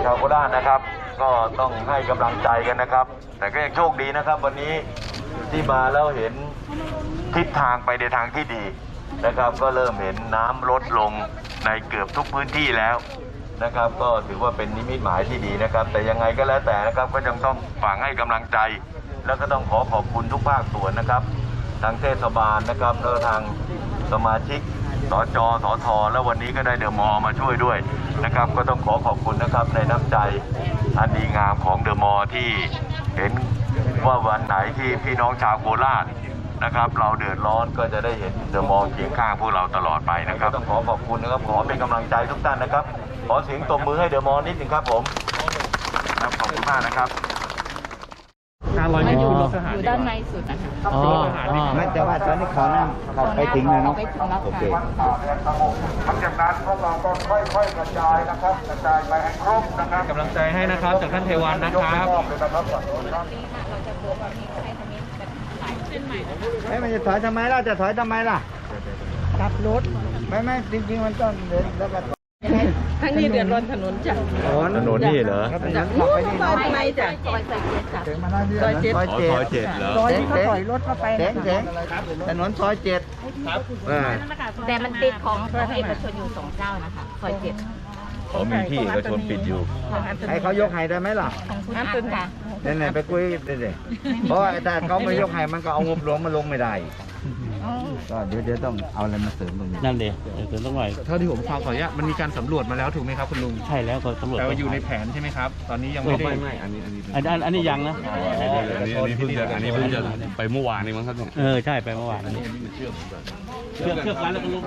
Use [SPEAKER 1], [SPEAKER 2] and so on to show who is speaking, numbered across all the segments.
[SPEAKER 1] ชาวโคราชนะครับก็ต้องให้กำลังใจกันนะครับ แต่ก็ยังโชคดีนะครับวันนี้ที่มาแล้วเห็นทิศทางไปในทางที่ดีนะครับก็เริ่มเห็นน้ำลดลงในเกือบทุกพื้นที่แล้วนะครับก็ถือว่าเป็นนิมิตหมายที่ดีนะครับแต่ยังไงก็แล้วแต่นะครับก็ยังต้องฝากให้กำลังใจแล้วก็ต้องขอบคุณทุกภาคส่วนนะครับทางเทศบาลนะครับแล้วทางสมาชิกสจสทแล้ววันนี้ก็ได้เดอะมอลล์มาช่วยด้วยนะครับก็ต้องขอบคุณนะครับในน้ำใจอันดีงามของเดอะมอลล์ที่เห็นว่าวันไหนที่พี่น้องชาวโคราชนะครับเราเดือดร้อนก็จะได้เห็นเดอะมอลล์เคียงข้างพวกเราตลอดไปนะครับต้องขอบคุณนะครับขอเป็นกำลังใจทุกท่านนะครับขอเสียงตบมือให้เดอะมอลล์นิดนึงครับผมครับขอบคุณมากนะครับ
[SPEAKER 2] อยู่ด้านในสุดนะคะ
[SPEAKER 3] ไม่แต่ว่าตอนนี้เขานั่งเขาไปถึงแล้วเนาะโอเค
[SPEAKER 1] หลังจากนั้นพวกเราก็ค่อยๆกระจายนะครับกระจายไปให้ครบนะครับ
[SPEAKER 4] กำลังใจให้นะครับจากท่านเทวันนะครับ
[SPEAKER 3] มันจะถอยทำไมล่ะจะถอยทำไมล่ะกลับรถไม่จริงๆมันต้องเดินแล้วก็
[SPEAKER 2] ทั้งนี้เดือดร้อนถนนจ้ะ
[SPEAKER 4] ถนนนี่เหรอ
[SPEAKER 2] จากนู้นซอยไหนจ้ะซอย7จ้ะ
[SPEAKER 4] ซอย7เหรอ
[SPEAKER 2] ซอยที่เขาถอยรถเข้าไป
[SPEAKER 3] ถนนซอย7
[SPEAKER 2] แต่มันติดของเอกชนอยู่2เจ้านะคะซอย7
[SPEAKER 4] เขามีที่เอกชนปิดอยู่
[SPEAKER 3] ให้เขายกให้ได้ไหมล่ะ
[SPEAKER 2] ของคุณอันค่ะ
[SPEAKER 3] เนี่ยไปคุยเลยเพราะแต่เขาไม่ยกให้มันก็เอางบหลวงมาลงไม่ได้ก็เดี๋ยวต้องเอาอะไรมาเสริมตรงนี้
[SPEAKER 5] นั่นเลยเสริมตรงไหน
[SPEAKER 4] เท่าที่ผมฟังขออนุญาตมันมีการสำรวจมาแล้วถูกไหมครับคุณลุง
[SPEAKER 5] ใช่แล้วก็สำรวจ
[SPEAKER 4] แต่ว่าอยู่ในแผนใช่ไหมครับตอนนี้ยังไม่ได้
[SPEAKER 5] ไม่อันนี้ยังนะ
[SPEAKER 4] อันนี้เพิ่งจะไปเมื่อวานนี้มั้งครับ
[SPEAKER 5] ใช่ไปเมื่อวานนี้เชื่อกันแล้วก็ลุง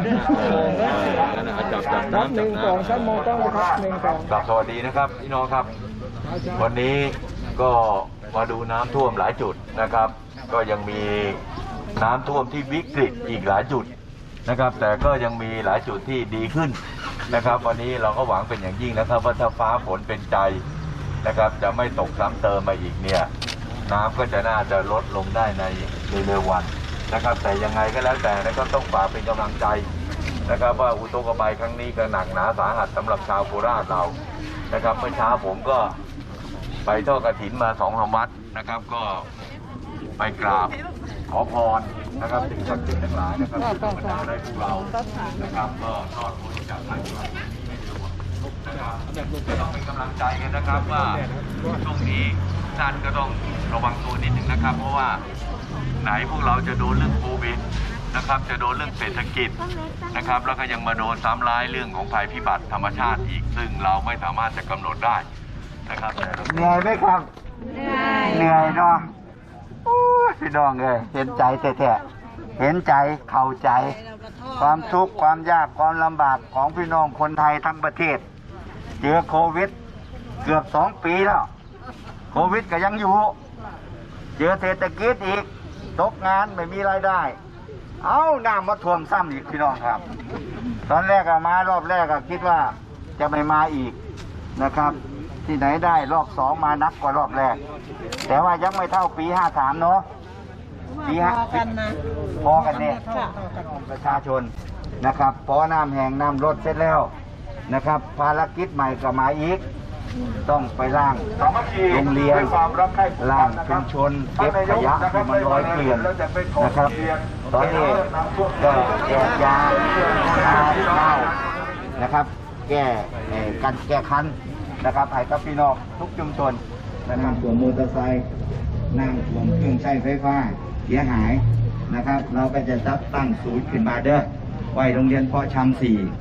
[SPEAKER 4] จับน้ำ
[SPEAKER 3] 1 2 3โมงต้องครับ1 2
[SPEAKER 1] สวัสดีนะครับพี่น้องครับวันนี้ก็มาดูน้ำท่วมหลายจุดนะครับก็ยังมีน้ำท่วมที่วิกฤตอีกหลายจุดนะครับแต่ก็ยังมีหลายจุดที่ดีขึ้นนะครับวันนี้เราก็หวังเป็นอย่างยิ่งนะครับว่าถ้าฟ้าฝนเป็นใจนะครับจะไม่ตกซ้ำเติมมาอีกเนี่ยน้ำก็จะน่าจะลดลงได้ในเร็ววันนะครับแต่ยังไงก็แล้วแต่นะครับต้องฝากเป็นกำลังใจนะครับว่าอุทกภัยครั้งนี้ก็หนักหนาสาหัสสำหรับชาวโคราชเรานะครับเมื่อเช้าผมก็ไปทอดกฐินมา2-3 วัดนะครับก็ไปกราบขอพรนะครับสิ่งศักดิ์สิทธิ์ทั้งหลายนะครับที่ทำให้ได้พวกเรานะครับก็รอดพ้นจากภัยพิบัตินะครับก็ต้องเป็นกำลังใจกันนะครับว่าช่วงนี้ท่านก็ต้องระวังตัวนิดหนึ่งนะครับเพราะว่าไหนพวกเราจะโดนเรื่องโควิดนะครับจะโดนเรื่องเศรษฐกิจนะครับแล้วก็ยังมาโดนซ้ำร้ายเรื่องของภัยพิบัติธรรมชาติอีกซึ่งเราไม่สามารถจะกำหนดได้นะครับ
[SPEAKER 3] เหนื่อยไหมครับเหนื่อยเนาะพี่น้องเลยเห็นใจแท้ๆเห็นใจเข้าใจความทุกข์ความยากความลำบากของพี่น้องคนไทยทั้งประเทศเจอโควิดเกือบ2 ปีแล้วโควิดก็ยังอยู่เจอเศรษฐกิจอีกตกงานไม่มีรายได้เอาน้ำมาท่วมซ้ำอีกพี่น้องครับตอนแรกมารอบแรกคิดว่าจะไม่มาอีกนะครับที่ไหนได้รอบ2มานักกว่ารอบแรกแต่ว่ายังไม่เท่าปี53เนาะปีพอกันเนี่ยประชาชนนะครับพอน้ำแห้งน้ำลดเสร็จแล้วนะครับภารกิจใหม่ก็มาอีกต้องไปล้างโรงเรียนล้างชุมชนเก็บขยะที่มันลอยเกลื่อนนะครับตอนนี้ก็แจกยาข้าวนะครับแก้คันนะครับให้กับพี่น้องทุกชุมชนน้ำท่วมมอเตอร์ไซค์น้ำท่วมเครื่องใช้ไฟฟ้าเสียหายนะครับเราก็จะจัดตั้งศูนย์ขึ้นมาเด้อไว้โรงเรียนเพาะชำ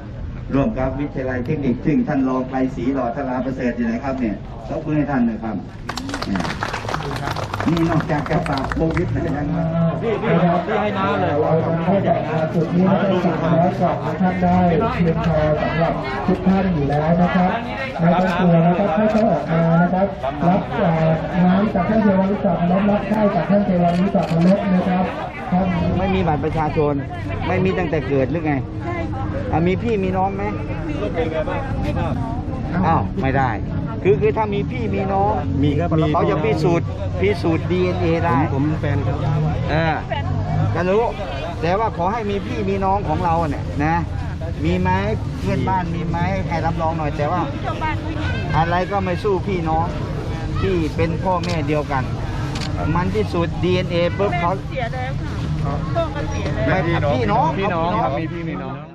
[SPEAKER 3] 4ร่วมกับวิทยาลัยเทคนิคซึ่งท่านรองไกรศรีหล่อทลาประเสริฐอยู่ไหนครับเนี่ยยกมือให้ท่านหน่อยครับนี่นอกจากจะปราบโควิดแล้วยัง
[SPEAKER 4] ที่ให้น้าเลย
[SPEAKER 6] จุดนี้ได้สั่งแล้วก่อนท่านได้เพียงพอสำหรับทุกท่านอยู่แล้วนะครับไม่ต้องกลัวนะครับให้เขาออกมานะครับรับน้ำจากท่านเทวานิสักรับข้าวจากท่านเทวานิสักลดนะครับ
[SPEAKER 3] ไม่มีบัตรประชาชนไม่มีตั้งแต่เกิดหรือไงมีพี่มีน้องไหมอ้าวไม่ได้คือถ้ามีพี่มีน้อง
[SPEAKER 5] มีครับ
[SPEAKER 3] เขาจะพิสูจน์ DNA ได้
[SPEAKER 5] ผมแฟนครับ
[SPEAKER 3] ก็รู้แต่ว่าขอให้มีพี่มีน้องของเราเนี่ยนะมีไหมเพื่อนบ้านมีไหมให้รับรองหน่อยแต่ว่า อะไรก็ไม่สู้พี่น้องที่เป็นพ่อแม่เดียวกัน มันที่สุด DNA ปุ๊บเขาเสียแล้วค่ะพ่อก็เสียแล้วพี่น้อง
[SPEAKER 4] พี่น้องครับมีพี่มีน้อง